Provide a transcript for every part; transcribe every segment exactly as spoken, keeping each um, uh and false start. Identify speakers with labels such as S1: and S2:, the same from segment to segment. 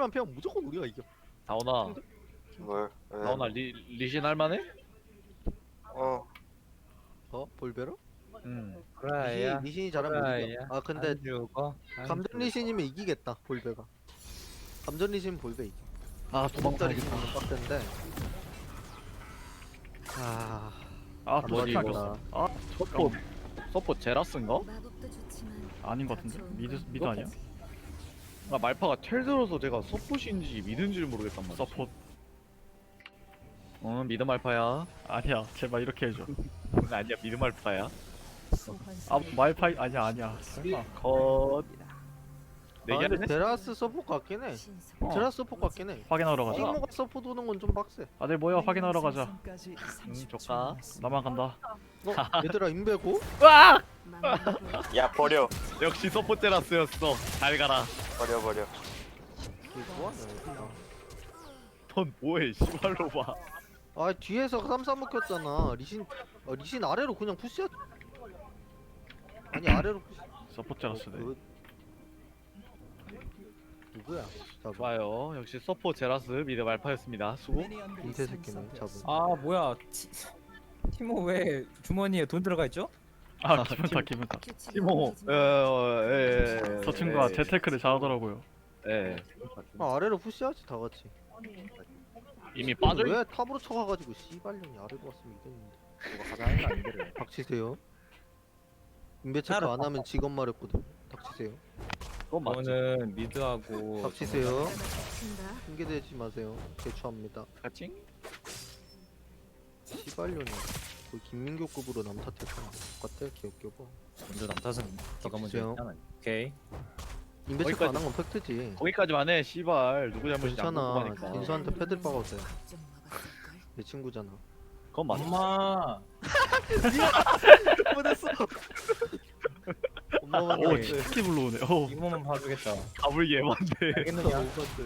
S1: 킬만 피하면 무조건 우리가 이겨.
S2: 다오나
S3: 뭘? 왜?
S2: 다오나 리 리신 할만해?
S3: 어.
S1: 어? 볼베로?
S2: 응.
S4: 그라야.
S1: 리신, 리신이 잘하면 못
S4: 그라야.
S1: 이겨. 아 근데
S4: 안 죽어. 안
S1: 감전
S4: 죽어.
S1: 리신이면 이기겠다 볼베가. 감전 리신 볼베 이겨.
S5: 아
S1: 도망자
S5: 도망가야겠다.
S1: 리신은 빡센데. 아,
S5: 아
S1: 안
S2: 뭐지,
S5: 도망가.
S1: 맞았다.
S5: 아
S2: 서포 서포 제라스인가?
S6: 마법도 좋지만
S5: 아닌 것 같은데? 미드 미드 아니야?
S2: 아 말파가 텔 들어서 제가 서폿인지 미드인지를 모르겠단 말이야.
S5: 서폿.
S2: 어 미드 말파야.
S5: 아니야 제발 이렇게 해줘.
S2: 아니야 미드 말파야.
S5: 아 말파이 아니야 아니야. 설마.
S2: 컷.
S1: 아
S2: 내기
S1: 근데
S2: 하네.
S1: 데라스 서포 같긴 해.
S5: 어.
S1: 데라스 서포 같긴 해.
S5: 확인하러 가자.
S1: 띵모가 서포 도는 건 좀 빡세.
S5: 다들 모여 확인하러 가자.
S2: 응 조카.
S5: 나만 간다.
S1: 어? 얘들아 인베고?
S5: 으악!
S3: 야 버려.
S2: 역시 서폿 제라스였어. 잘 가라.
S3: 버려 버려.
S1: 이게 뭐하냐 얘들아.
S2: 넌 뭐해 씨발로 봐.
S1: 아 뒤에서 쌈싸 먹혔잖아. 리신 아, 리신 아래로 그냥 푸시했. 아니 아래로 푸시.
S5: 서포트 제라스네.
S1: 그... 누구야? 잡은
S2: 좋아요. 역시 서폿 제라스 미드 말파였습니다. 수고.
S1: 인태 새끼는 잡은.
S4: 아 뭐야? 티, 티모 왜 주머니에 돈 들어가 있죠?
S5: 아 기분 다 기분 다.
S2: 티모. 에에에.
S5: 저 친구가 재테크를 잘하더라고요.
S2: 예.
S1: 아 아래로 푸시하지 다 같이.
S2: 이미 빠져.
S1: 왜 탑으로 쳐가가지고 씨발년이 아래로 왔으면 이겼는데.
S3: 이거 가자 하는 거안 되래.
S1: 닥치세요. 인베 체크
S4: 따로
S1: 안 하면 직업 말했거든. 닥치세요.
S2: 그건 맞지.
S4: 저는 미드하고
S1: 닥치세요. 핑계대지 마세요. 개추합니다.
S2: 같이?
S1: 씨발년이 거의 김민교급으로 남탓했잖아. 똑같아 개웃겨봐.
S4: 먼저 남탓은 네가 먼저
S1: 닥치세요.
S4: 했잖아. 오케이.
S1: 인베 체크
S2: 거기까지-
S1: 안 한 건 팩트지.
S2: 거기까지만 해. 씨발 누구 잘못이지 안
S1: 괜찮아.
S2: 궁금하니까.
S1: 인수한테 패들 박아도 돼. 내 친구잖아.
S2: 그건 맞지.
S4: 엄마.
S1: 못했어. 엄마만
S5: 오
S1: 나왔어요.
S5: 스키 불러오네. 오.
S4: 이모만 봐주겠다.
S2: 가불 예반데.
S4: 알겠느냐?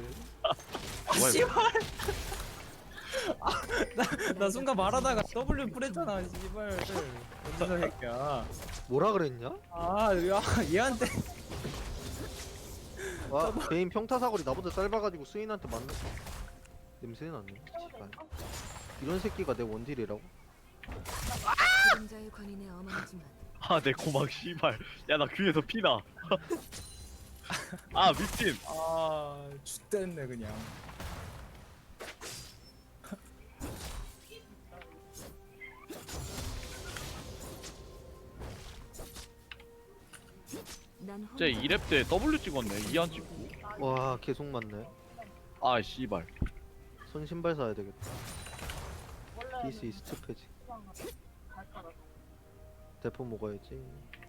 S4: 씨발. 아, 나, 나 순간 말하다가 W 뿌렸잖아. 씨발. 어디서 새끼야.
S1: 뭐라 그랬냐?
S4: 아, 야, 얘한테.
S1: 와 개인 평타 사거리 나보다 짧아가지고 스인한테 맞는 냄새 났네. 씨발. 이런 새끼가 내 원딜이라고?
S6: 그림자의 관인에 어머니지만
S2: 아 내 고막 씨발. 야 나 귀에서 피나. 아 미친.
S4: 아, 죽됐네 그냥.
S6: 난 혼자
S2: 쟤 이 렙 때 W 찍었네. 이 안 찍고.
S1: 와 계속 맞네.
S2: 아 씨발.
S1: 손 신발 사야 되겠다. 디스 이스트 패지. 대포 먹어야지.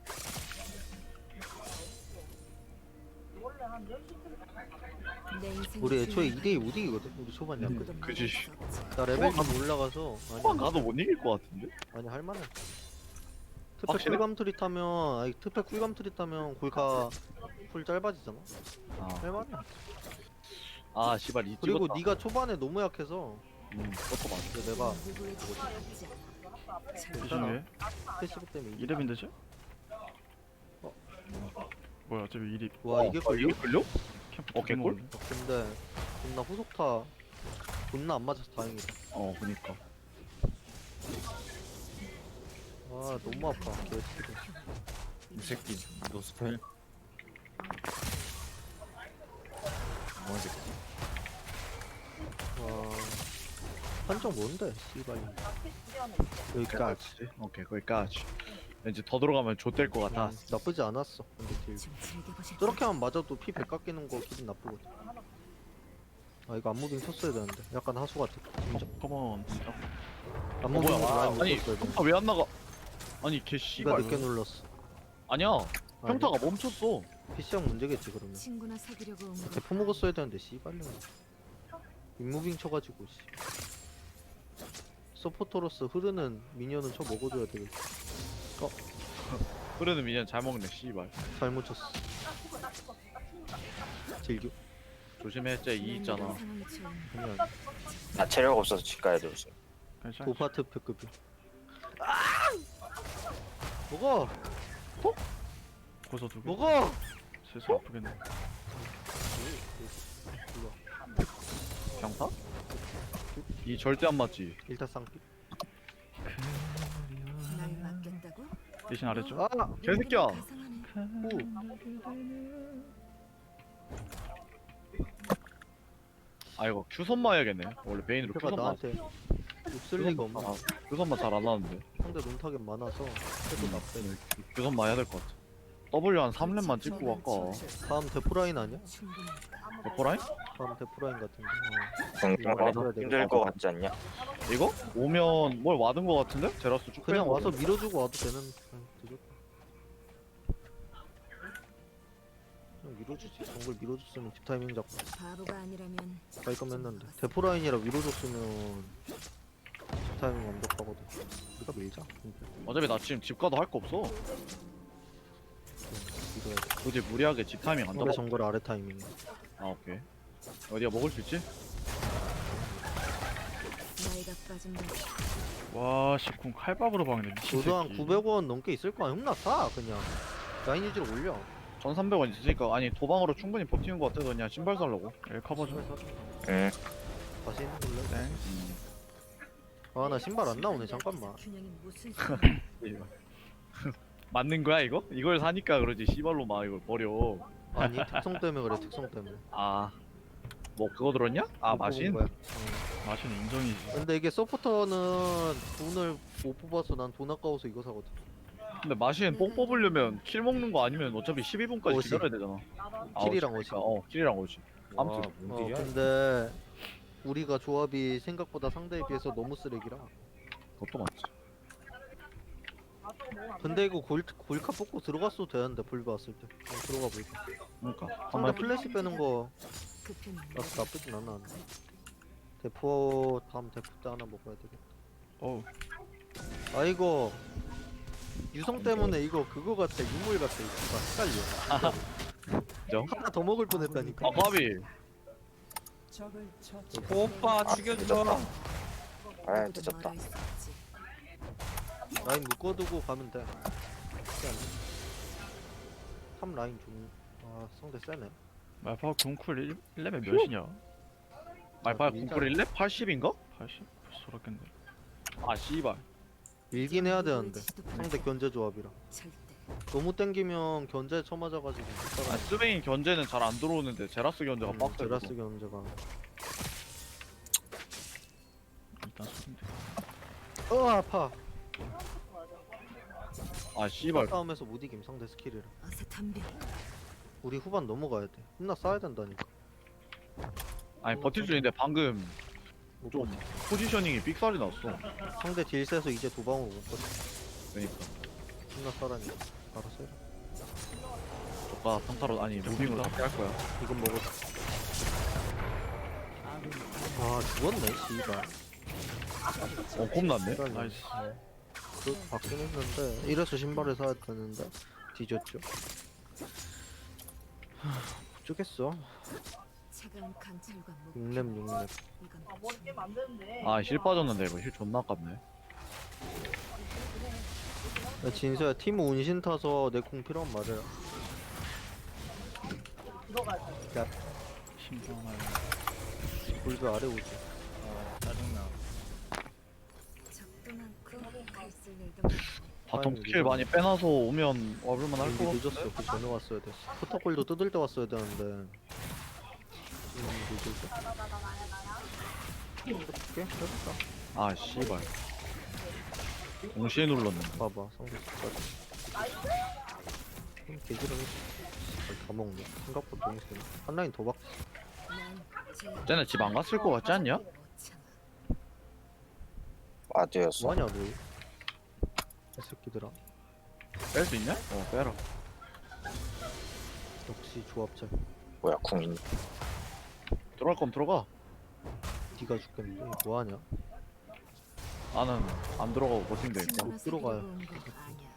S6: 내 인생
S1: 우리 애초에 이 대 이 못 이기거든. 우리 초반 약간.
S6: 누구도
S2: 그지.
S6: 막을 수 없지.
S1: 나 레벨 좀 올라가서
S2: 어,
S1: 아니
S2: 나도 못 이길 것 같은데.
S1: 아니 할만해. 특패
S2: 확실해?
S1: 쿨감 트리 타면 아니 특패 쿨감 트리 타면 골카 풀 짧아지잖아.
S2: 아,
S1: 할만해.
S2: 아 씨발 이
S1: 그리고
S2: 찍었다.
S1: 네가 초반에 너무 약해서
S2: 음, 그것도 맞아.
S1: 근데 내가
S6: 누구의 뜻도 받지 않아. 참,
S5: 조심해.
S1: 패시브 때문에 이기-
S5: 이렙인데 쟤?
S1: 어?
S5: 뭐야 쟤 왜 이리
S1: 와 이게
S2: 어,
S1: 걸려?
S2: 이게 걸려?
S5: 캠프
S2: 어, 개꿀?
S5: 먹었네.
S1: 어, 근데 존나 후속타 존나 안 맞아서 다행이다.
S2: 어 그니까.
S1: 아 너무 아파 개새끼.
S4: 이 새끼 노스펠. 뭐 새끼.
S1: 와 한정 뭔데 씨발. 여기까지.
S2: 오케이 거기까지. 왠지 더 들어가면 좆될 것 같아.
S1: 음, 나쁘지 않았어. 근데 딜.
S6: 좀 즐겨보자.
S1: 저렇게 하면 맞아도 피 백 깎이는 거 기분 나쁘거든. 아 이거 안무빙 쳤어야 되는데 약간 하수 같아. 진짜.
S5: 컴온.
S1: 안무빙
S2: 뭐야?
S1: 라인 못
S2: 아니
S1: 쳤어야 돼.
S2: 평타 왜 안 나가? 아니 개
S1: 니가
S2: 씨발.
S1: 늦게 눌렀어.
S2: 아니야.
S1: 아니,
S2: 평타가 멈췄어.
S1: 피씨형 문제겠지 그러면.
S6: 친구나 사귀려고 온 거.
S1: 대포 먹었어야 되는데 씨발려. 윗무빙 쳐가지고 씨. 서포터로서 흐르는 미니언은 쳐 먹어줘야 되겠지.
S2: 흐르는 미니언 잘 먹네 씨발.
S1: 잘못 쳤어. 즐겨.
S2: 조심해 쟤 이 있잖아.
S6: 상황이 처음.
S1: 그냥
S3: 나 체력 없어서 집 가야 돼 벌써.
S5: 괜찮아.
S1: 도파트 패급이. 먹어.
S5: 고소 두개.
S1: 먹어.
S5: 슬슬 아프겠네.
S1: 일로 와.
S2: 병타? 이 절대 안 맞지.
S1: 일타 쌍피.
S6: 날 맡겠다고?
S5: 대신 아래쪽.
S1: 아!
S2: 개새끼야.
S6: 가상하네.
S1: 오!
S2: 아 이거 큐선마 해야겠네. 원래 베인으로
S1: 페가
S2: 큐선마.
S1: 나한테 욕쓸 리가 없나?
S2: 아, 큐선마 잘 안 하는데.
S1: 상대 논타겟 많아서 해도 나쁘네.
S2: 큐선마 해야 될 것 같아. W 한 삼 렙만 찍고 갈까?
S1: 다음 데프라인 아니야?
S6: 충분하다.
S2: 데포라인?
S1: 다음 데프라인 같은데.
S3: 공격하기도 힘들 것 같지 않냐?
S2: 이거? 오면 뭘 와든 것 같은데? 제라스 쭉
S1: 그냥
S2: 빼는
S1: 와서
S2: 거.
S1: 밀어주고 와도 되는. 그냥 늦었다. 그냥 밀어주지. 정글 밀어줬으면 집 타이밍 잡고
S6: 바보가 아니라면
S1: 갈 거면 했는데. 데프라인이라 밀어줬으면 집 타이밍 완벽하거든. 우리가 밀자.
S2: 어차피 나 지금 집 가도 할 거 없어.
S1: 밀어야 돼.
S2: 굳이 무리하게 집 타이밍 안
S1: 상대
S2: 잡아.
S1: 정글 아래 타이밍.
S2: 아 오케이. 어디가 먹을 수 있지?
S6: 나이가 빠진 날
S5: 와, 씨쿵 칼밥으로 박네. 미친
S1: 너도 한
S5: 새끼.
S1: 구백 원 넘게 있을 거야. 흉나 싸 그냥. 라인 유지로 올려.
S2: 천삼백 원 있으니까 아니 도방으로 충분히 버티는 것 같아서 그냥 신발 살려고.
S5: 엘 커버 좀.
S3: 응.
S1: 다시 있는 걸로.
S5: 땡.
S2: 음.
S1: 아 나 신발 안 나오네. 잠깐만.
S6: 균형이 무슨
S2: 맞는 거야 이거? 이걸 사니까 그러지 씨발로 막 이걸 버려.
S1: 아니 특성 때문에 그래. 특성 때문에.
S2: 아. 뭐 그거 들었냐? 아
S1: 못
S2: 마신?
S1: 뽑은 거야. 어.
S5: 마신 인정이지.
S1: 근데 이게 서포터는 돈을 못 뽑아서 난 돈 아까워서 이거 사거든.
S2: 근데 마신 뽕 뽑으려면 킬 먹는 거 아니면 어차피 십이 분까지
S1: 오십.
S2: 기다려야 되잖아. 아,
S1: 킬이랑
S2: 오십.
S1: 오십.
S2: 어 킬이랑 오십. 아무튼
S1: 어 근데 우리가 조합이 생각보다 상대에 비해서 너무 쓰레기라.
S2: 그것도 맞지.
S1: 근데 이거 골, 골카 뽑고 들어갔어도 되는데 불비 왔을 때. 어, 들어가 볼까.
S2: 그러니까
S1: 상대
S2: 한번
S1: 플래시 빼는 거
S6: 급히
S1: 나, 나쁘진 않아. 대포 다음 대포 때 하나 먹어야 되겠다.
S5: 어우,
S1: 아 이거 유성 때문에 이거 그거 같아. 유물 같아. 이거 헷갈려.
S2: 인정?
S1: 하나 더 먹을 뻔했다니까.
S2: 아 까비.
S4: 오빠 죽여줘.
S3: 아 늦었다.
S1: 라인 묶어두고 가면 돼. 삼 라인 좀. 아 상대 세네.
S5: 말파 궁쿨 일 레벨 몇이냐?
S2: 말파야
S1: 밀자.
S2: 궁풀 일 렙 팔십인가?
S5: 팔십? 벌써 그렇겠네.
S2: 아 씨발.
S1: 밀긴 해야 되는데 상대 견제 조합이라.
S6: 절대
S1: 너무 땡기면 견제 쳐맞아가지고 못
S2: 아
S1: 살아.
S2: 스베인 견제는 잘 안 들어오는데 제라스 견제가
S1: 음,
S2: 빡세.
S1: 제라스 견제가.
S5: 일단 소인데.
S1: 어 아파.
S2: 아 씨발.
S1: 싸움에서 못 이김 상대 스킬이라.
S6: 어서 덤벼.
S1: 우리 후반 넘어가야 돼. 혼나 싸야 된다니까.
S2: 아니 버틸 수 있는데 방금
S1: 못
S2: 좀
S1: 버텨.
S2: 포지셔닝이 삑살이 났어.
S1: 상대 딜 세서 이제 도방으로 못 버텨.
S2: 그러니까
S1: 혼나 싸라니까. 알아서 해라.
S2: 저가 평타로 아니 무빙으로 잡게 할 거야.
S1: 이건 먹었어. 아 죽었네 씨발.
S2: 어 겁났네.
S5: 나이스.
S1: 그 받긴 했는데 이래서 신발을 사야 되는데 뒤졌죠. 하, 못 주겠어.
S6: 차가운 강철과 목.
S1: 육 렙 육 렙.
S6: 이건
S2: 아 실 빠졌는데 이거 실 존나 아깝네.
S1: 야, 진서야 팀 운신 타서 내 공 필요한 말이야. 야
S5: 심장을.
S1: 골드 아래 오지.
S4: 짜증나.
S6: 적도 많고 갈쓸 일도 많고.
S2: 바텀
S1: 아니,
S2: 스킬 많이 빼놔서 오면 와볼만 할
S1: 이미
S2: 거 같은데?
S1: 늦었어. 그 전에 왔어야 됐어. 포터골도 뜯을 때 왔어야 되는데. 지금 늦었어. 어떻게? 해볼까?
S2: 아 씨발. 동시에 눌렀는데.
S1: 봐봐 상대 스까지. 개지렁이. 다 먹네. 생각보다 너무 세네. 한 라인 더 박.
S6: 난 제일
S2: 쟤네 집 안 갔을 거 같지 않냐?
S6: 못 참아.
S3: 맞아였어.
S1: 뭐하냐 너? 이 새끼들아.
S2: 뺄 수 있냐? 어 빼라.
S1: 역시 조합자.
S3: 뭐야 궁 있네.
S2: 들어갈 거면 들어가.
S1: 니가 죽겠는데 뭐하냐?
S2: 나는 안 들어가고 버티면 되니까.
S6: 친구나
S1: 들어가요.
S6: 사귀려고 온거 아니야.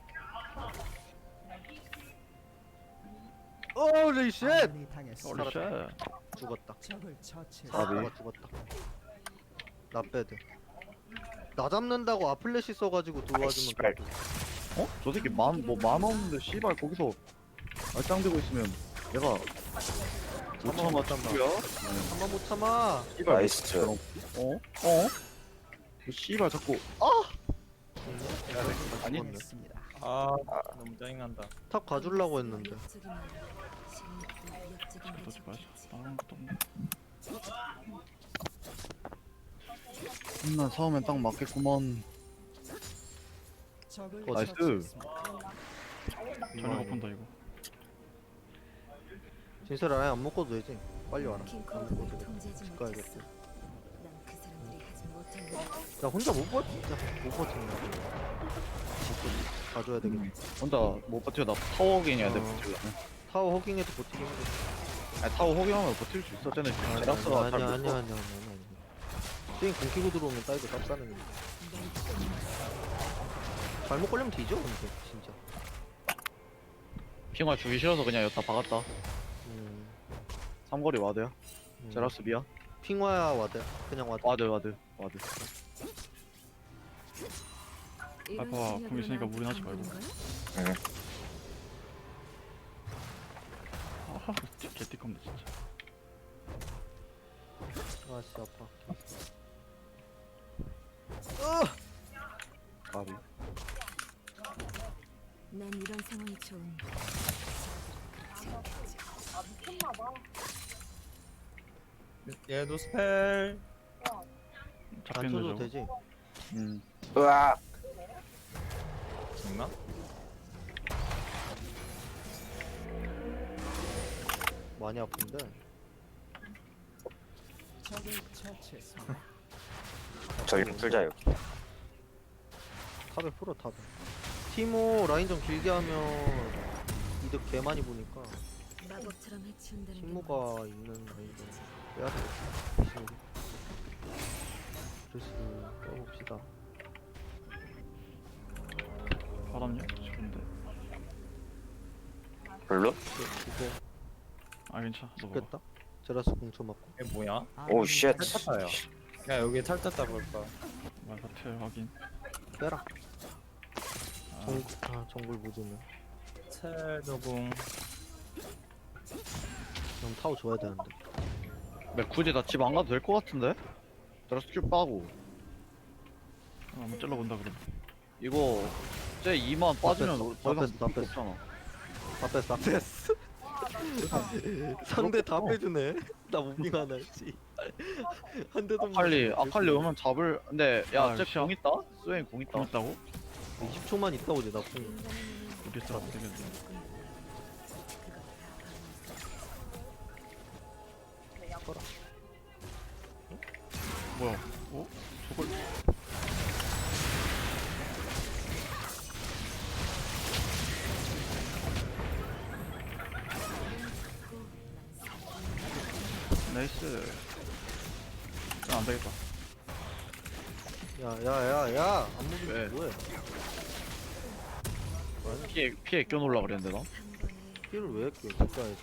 S1: 오리 쉣!
S5: 홀리 쉣.
S1: 죽었다.
S2: 아비.
S1: 사라가 죽었다. 나 빼드. 나 잡는다고 아플래시 써가지고 들어와주면
S3: 씨발.
S1: 그래도.
S2: 어? 저 새끼 만 뭐 만 없는데 씨발 거기서 알짱대고 있으면 얘가 못 참아 참고요.
S1: 한번 못 참아.
S2: 씨발
S3: 나이스.
S2: 어? 어? 그 씨발 자꾸 아! 아니
S4: 아 너무 짜증난다.
S1: 탑 가주려고 했는데.
S5: 너지 마자. 다른 것도 없네.
S2: 나 싸우면 딱 맞겠구먼.
S1: 어,
S2: 나이스.
S5: 전혀 못 본다 이거.
S1: 진설아 아예 안 먹어도 되지. 빨리 와라. 안
S6: 킹콩을
S1: 먹어도 돼.
S6: 통제하지
S1: 집
S6: 못했어.
S1: 가야겠다.
S6: 난그 사람들이 하지 못한 걸
S1: 나 혼자 못 버, 진짜 못 버틴다. 진짜 가줘야 되겠네.
S2: 혼자 못 버텨. 나 타워 호깅해야 돼
S1: 어.
S2: 버틸려면.
S1: 타워 허깅해도 버티기 힘들어.
S2: 아니 타워 호깅하면 버틸 수 있어. 쟤네 제라스가
S1: 아니야
S2: 잘
S1: 아니야
S2: 못
S1: 아니야 아니야 아니야 아니야. 게임 공키고 들어오면 따이도 쌉싸는 거. 잘못 걸리면 뒤져 근데 진짜.
S2: 핑화 주기 싫어서 그냥 여기다 박았다.
S1: 음,
S2: 삼거리 와드야.
S1: 음.
S2: 제라스 미야.
S1: 핑화야 와드. 그냥 와드.
S2: 와드 와드 와드.
S5: 알파가 공 있으니까 무리하지 말고.
S3: 응.
S5: 아하 개띠컴네 진짜.
S1: 아씨 아파.
S2: 가비.
S6: 난 이런 상황이 좋은.
S4: 얘도 스펠.
S1: 안
S5: 잡히는
S1: 쳐도
S5: 데
S1: 되지.
S2: 음.
S3: 으악.
S4: 정나?
S1: 많이 아픈데.
S3: 저기 풀자 여기.
S1: 탑에 풀어 탑에. 티모 라인 좀 길게 하면 이득 개 많이 보니까
S6: 마법처럼 해치운다는 게
S1: 티모가 있는 라인 좀 빼야 돼. 그래서 떠봅시다.
S5: 바람요? 좋은데.
S3: 별로?
S1: 이거
S5: 아 괜찮아. 너 먹어.
S1: 죽겠다. 제라스 공쳐 맞고.
S4: 이게 뭐야?
S3: 오 쉣.
S4: 탈탔다요. 야 여기 탈탔다 볼까?
S5: 말사태 확인.
S1: 빼라.
S5: 아,
S1: 정, 아 정글 보조면.
S4: 첼도공.
S1: 그럼 타워 줘야 되는데.
S2: 내 굳이 나 집 안 가도 될 것 같은데? 제라스 큐 빠고.
S5: 아, 한번 찔러본다 그럼.
S2: 이거 쟤 이만 빠지면
S1: 뺐어,
S2: 더
S1: 다
S2: 이상
S1: 뺐어, 다
S2: 뺄게
S1: 뺐어.
S2: 없잖아.
S1: 다 뺐어 다 뺐어. 상대 다 빼주네. 나 무빙 하나 했지. 한 대도 못
S2: 아칼리
S1: 맞췄어.
S2: 아칼리 오면 잡을. 근데
S5: 아,
S2: 야쟤
S5: 시야.
S2: 공 있다? 스웨인 공 있다.
S5: 고맙다고?
S1: 이십 초만 있다 오지 나 궁.
S5: 우리 사람 되겠네.
S1: 쳐라.
S5: 뭐야? 어? 저걸 나이스. 아, 안 되겠다.
S1: 야야야야 안
S2: 왜?
S1: 무빙 뭐해?
S2: 피해 피해 껴놓으려 그랬는데 나.
S1: 피를 왜 했게? 가야지.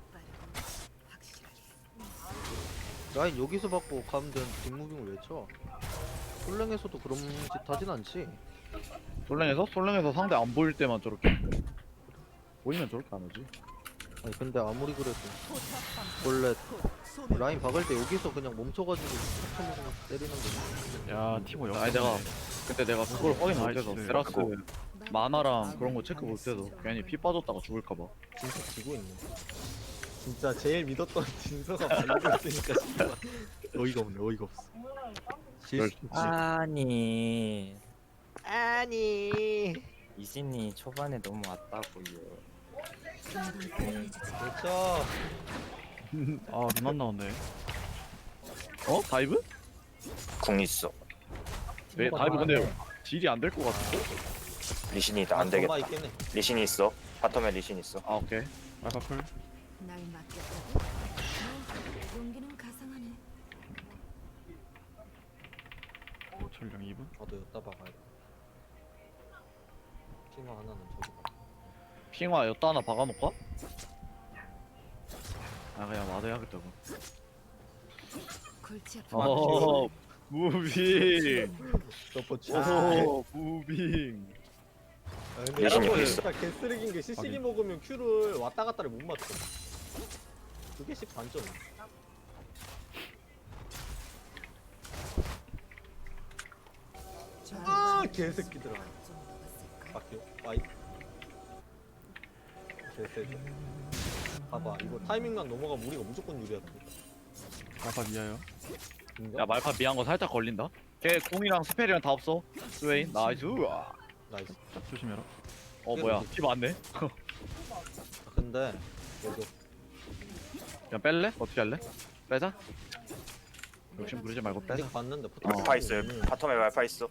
S1: 라인 여기서 받고 가면 되는 뒷무빙을 왜 쳐? 솔랭에서도 그런 짓 하진 않지.
S2: 솔랭에서 솔랭에서 상대 안 보일 때만 저렇게. 보이면 저렇게 안 하지.
S1: 아니 근데 아무리 그래도 원래 라인 박을 때 여기서 그냥 멈춰가지고 툭툭 때리는 거지.
S5: 야 티모 역.
S2: 아니 내가 그때 내가 그걸 확인 못해서
S5: 나이스.
S2: 제라스 만화랑 그런 거 체크 못해서 괜히 피 빠졌다가 죽을까봐.
S1: 진짜 지고 있네. 진짜 제일 믿었던 진서가 말리고 있으니까 진짜 어이가 없네. 어이가 없어.
S2: 열-
S1: 실수.
S4: 아니
S1: 아니.
S4: 이진이 초반에 너무 왔다고요.
S1: 그렇죠.
S5: 아, 눈 안 나온대.
S2: 어? 다이브?
S3: 궁 있어.
S2: 왜 다이브 근데 딜이 안 될 것 같은데?
S3: 리신이 있다. 안 되겠다.
S1: 있겠네.
S3: 리신이 있어. 바텀에 리신 있어.
S2: 아 오케이.
S5: 알파풀.
S6: 날 맡겼다고? 너 용기는 가상하네.
S5: 전령 이 분.
S1: 나도 여따 박아야 돼. 핑화 하나는 저기.
S2: 핑화 여따 하나 박아놓을까? 아 그냥 맞아야겠다 그럼.
S6: 골치 아픈
S2: 어 무빙.
S1: 서포츠.
S2: 오 무빙.
S3: 리신이 공 있어.
S1: 개쓰레기인 게
S5: 확인.
S1: 먹으면 Q를 왔다 갔다를 못 맞춰.
S7: 두 개씩 반점. 아 개새끼들아.
S6: 좀 먹었을까?
S7: 막혀. 와이. 개새끼. 봐봐 이거 타이밍만 넘어가면 우리가 무조건 유리하다.
S5: 말파 미아요.
S7: 인정?
S2: 야 말파 미한 거 살짝 걸린다. 걔 궁이랑 스펠이랑 다 없어. 스웨인 나이스. 우와.
S7: 나이스.
S5: 조심해라.
S2: 어 뭐야 피 많네.
S7: 아, 근데 여기
S2: 그냥 뺄래? 어떻게 할래? 빼자. 욕심 부리지 말고 빼자.
S7: 아직 봤는데 포탑.
S3: 말파 있어요. 바텀에 말파 있어.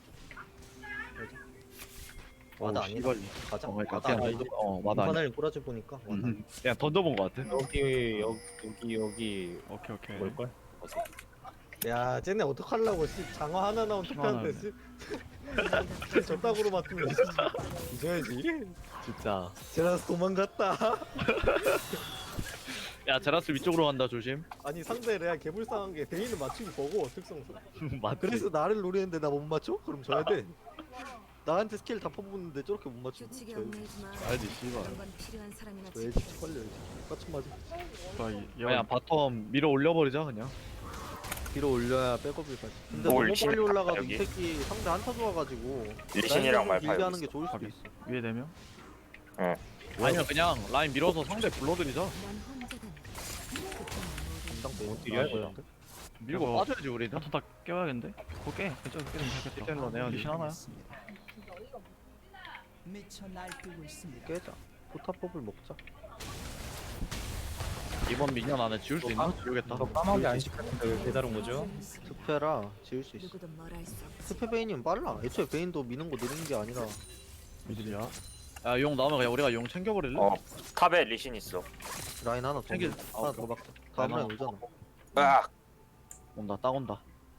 S7: 와다
S2: 어우,
S7: 아니다.
S2: 씨발.
S7: 가자.
S2: 어, 그러니까
S7: 와다
S2: 그냥
S7: 아니다.
S2: 던져- 어 맞아. 아니야.
S7: 인파넬 꼬라지 보니까 와다.
S2: 음, 그냥 던져본 거 같아.
S8: 여기 여기 여기 여기
S5: 오케이 오케이.
S8: 뭘걸?
S7: 야 쟤네 어떡하려고 씨 장어 하나 나온 투표한테 씨. 저 딱으로 맞으면 이겨야지.
S2: 진짜.
S7: 제라스 도망갔다.
S2: 야 제라스 위쪽으로 간다 조심.
S7: 아니 상대 레아 개불쌍한 게 베인은 맞추기 보고 특성상.
S2: 맞지.
S1: 그래서 나를 노리는데 나 못 맞춰? 그럼 져야 돼. 나한테 스킬 다 퍼붓는데 저렇게 못 맞추면
S6: 규칙에
S1: 져야지.
S6: 얽매이지 마.
S2: 알지 씨발.
S6: 그런 건 필요한 사람이나
S1: 져야지.
S6: 지켜야지.
S1: 걸려야지. 똑같이 맞아.
S5: 아, 이-
S2: 그냥
S5: 야,
S2: 바텀 밀어 올려버리자 그냥.
S1: 뒤로 올려야 백업을 가지. 근데
S3: 뭘
S1: 너무 빨리
S3: 신나,
S1: 올라가도
S3: 여기.
S1: 이 새끼 상대 한타 좋아가지고
S3: 리신이랑 말파
S1: 길게
S3: 여기
S1: 하는 게
S3: 있어.
S1: 좋을 수도
S5: 확인.
S1: 있어.
S5: 위에 되면
S2: 아니면 그냥 라인 밀어서 상대 불러들이자.
S6: 난 혼자다.
S1: 담당
S7: 어떻게
S1: 나와야
S7: 할 거야?
S1: 되는데?
S2: 밀고
S5: 저거-
S2: 빠져야지 우리는.
S5: 한타 다 깨워야겠는데? 그거 깨. 괜찮아 깨면 되겠다.
S2: 힐텐으로 내야지.
S5: 리신 하나야?
S9: 미쳐 날뛰고 있습니다.
S1: 깨자. 포탑법을 먹자.
S2: 이번 미년 안에 지울 수 있나? 지우겠다.
S8: 너 까마귀 안 시켰는데 왜 배달 온 거죠?
S1: 스페라 지을 수 있어.
S6: 누구도 뭘 할 수 없지.
S1: 스페 베인이면 빨라. 애초에 베인도 미는 거 느린 게 아니라
S5: 미들이야.
S2: 야 용 나오면 그냥 우리가 용 챙겨버릴래?
S3: 어 탑에 리신 있어.
S1: 라인 하나 더.
S2: 챙길-
S1: 먹-
S2: 아,
S1: 하나
S2: 오케이.
S1: 더 막자. 다음
S2: 라인
S1: 라인 오잖아.
S3: 으악.
S2: 온다 딱 온다.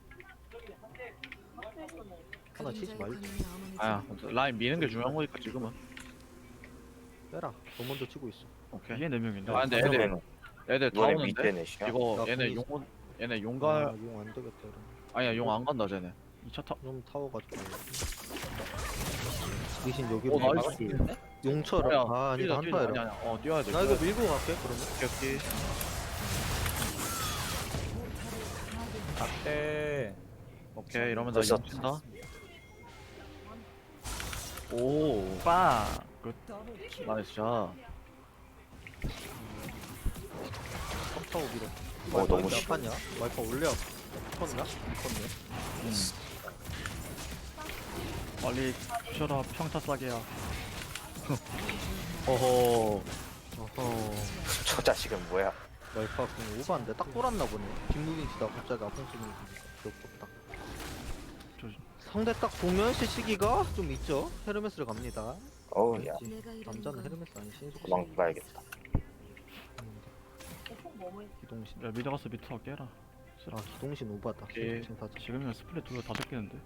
S1: 하나 치지
S6: 그림자의
S1: 말자.
S6: 권위에 어머니지
S2: 아야
S6: 마.
S2: 라인 미는 게 중요한 거니까 지금은.
S1: 빼라. 너 먼저 치고 있어.
S2: 오케이.
S5: 위에 네 명인데.
S2: 아 근데 애들 애들 다
S3: 이번에
S2: 오는데
S3: 밑에 넷이야.
S2: 이거
S1: 나
S2: 얘네
S1: 궁이
S2: 용 얘네
S1: 아,
S2: 용가
S1: 용안 되겠다. 이러면.
S2: 아니야 용 안 간다 쟤네.
S5: 이 차 타.
S1: 좀 타워 가지고. 리신 여기로.
S2: 오
S1: 가.
S2: 나이스.
S1: 용처럼. 아 아니
S2: 뛰자, 뛰자. 아니
S1: 한타해라.
S2: 아니 어 뛰어야 돼.
S1: 나 이거 밀고 갈게 그러면.
S2: 오케이 오케이.
S8: 네.
S2: 오케이 이러면 나
S3: 벌써-
S2: 용 친다. 오
S5: 빠. 끝.
S2: 나이스 샷.
S1: 탑타워 밀어.
S3: 어, 너무
S1: 몇 판이야? 말파 올려. 컸나? 컸네.
S5: 빨리 부셔라 평타 싸게야.
S2: 어허.
S1: 어허.
S3: 저 자식은 뭐야?
S1: 말파 그냥 오버한데 딱 돌았나 보네. 김무빈 치다 갑자기 아픈 소리 귀엽다.
S5: 조심.
S1: 상대 딱 보면 시시기가 좀 있죠. 헤르메스를 갑니다.
S3: 어우 야
S6: 내가 이러는
S1: 남자는
S6: 건
S1: 헤르메스 아니 신속.
S3: 도망가야겠다.
S1: 기동신.
S5: 야 미드 가서 미터 깨라.
S1: 아 기동신 오바다.
S2: 오케이.
S1: 신속 타자.
S5: 지금이면 스플릿 둘다 뺏기는데.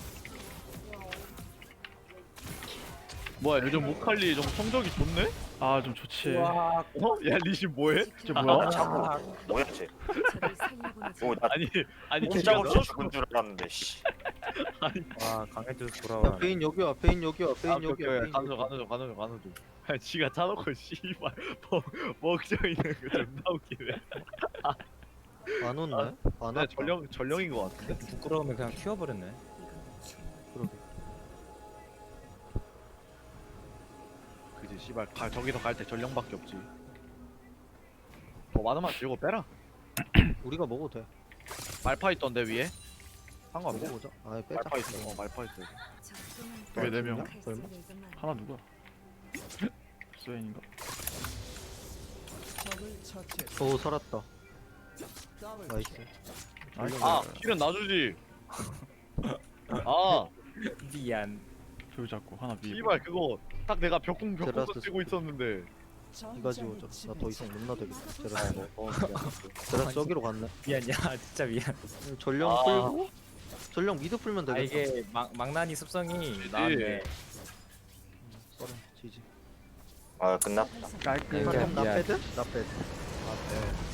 S2: 뭐야 요즘 모칼리 좀 성적이 좋네?
S5: 아 좀 좋지.
S8: 와
S2: 어? 야 리신 뭐해?
S5: 저 뭐야?
S3: 자꾸 뭐야 쟤?
S6: 저를 살려보내지
S3: 오, 나
S2: 아니 아니
S3: 꼼짝없이 죽은 줄 알았는데 씨.
S8: 와 강해져서
S1: 야
S8: 돌아와.
S1: 베인 여기야. 베인 여기야.
S2: 아,
S1: 베인
S2: 오케이,
S1: 여기야.
S2: 오케이.
S1: 베인
S2: 가는 중
S1: 여기야.
S2: 가는 중 가는 중 가는 중. 아, 지가 차놓고 씨발 뭐 먹져 있는 거 존나 웃기네.
S1: 안 온네? 안
S2: 나
S1: 왔다.
S2: 전령 전령인 거 같은데.
S8: 부끄러우면 그냥 키워버렸네.
S1: 그러게.
S2: 그지 씨발 가, 저기서 갈 때 전령밖에 없지. 뭐 많으면 들고 빼라.
S1: 우리가 먹어도 돼.
S2: 말파 있던데 위에. 상관없어.
S1: 먹어보자. 아 빼자.
S2: 말파 있어. 어 말파 있어.
S5: 왜 네 명?
S1: 얼마?
S5: 하나 누구야? 스웨인인가?
S9: 적을 처치했습니다.
S1: 오 살았다.
S9: 더블
S1: 나이스.
S5: 나이스.
S2: 아 실은 놔주지. 아
S8: 미안.
S5: 둘 잡고 하나 위.
S2: 씨발 그거 딱 내가 벽공 벽공
S1: 제라스
S2: 쓰고 있었는데.
S1: 이가 지워줘. 나 더 이상 못 나대겠다. 제라스.
S2: 어,
S1: 제라스 저기로 갔네.
S8: 미안 야 진짜 미안.
S1: 전령
S2: 아.
S1: 풀고 전령 미드 풀면
S8: 아
S1: 되겠다.
S8: 이게 막 망나니 습성이 나한테
S1: 썰어 지지.
S3: 아 끝났다.
S5: 깔끔.
S1: 그럼 나
S8: 미안.
S1: 패드? 나 패드.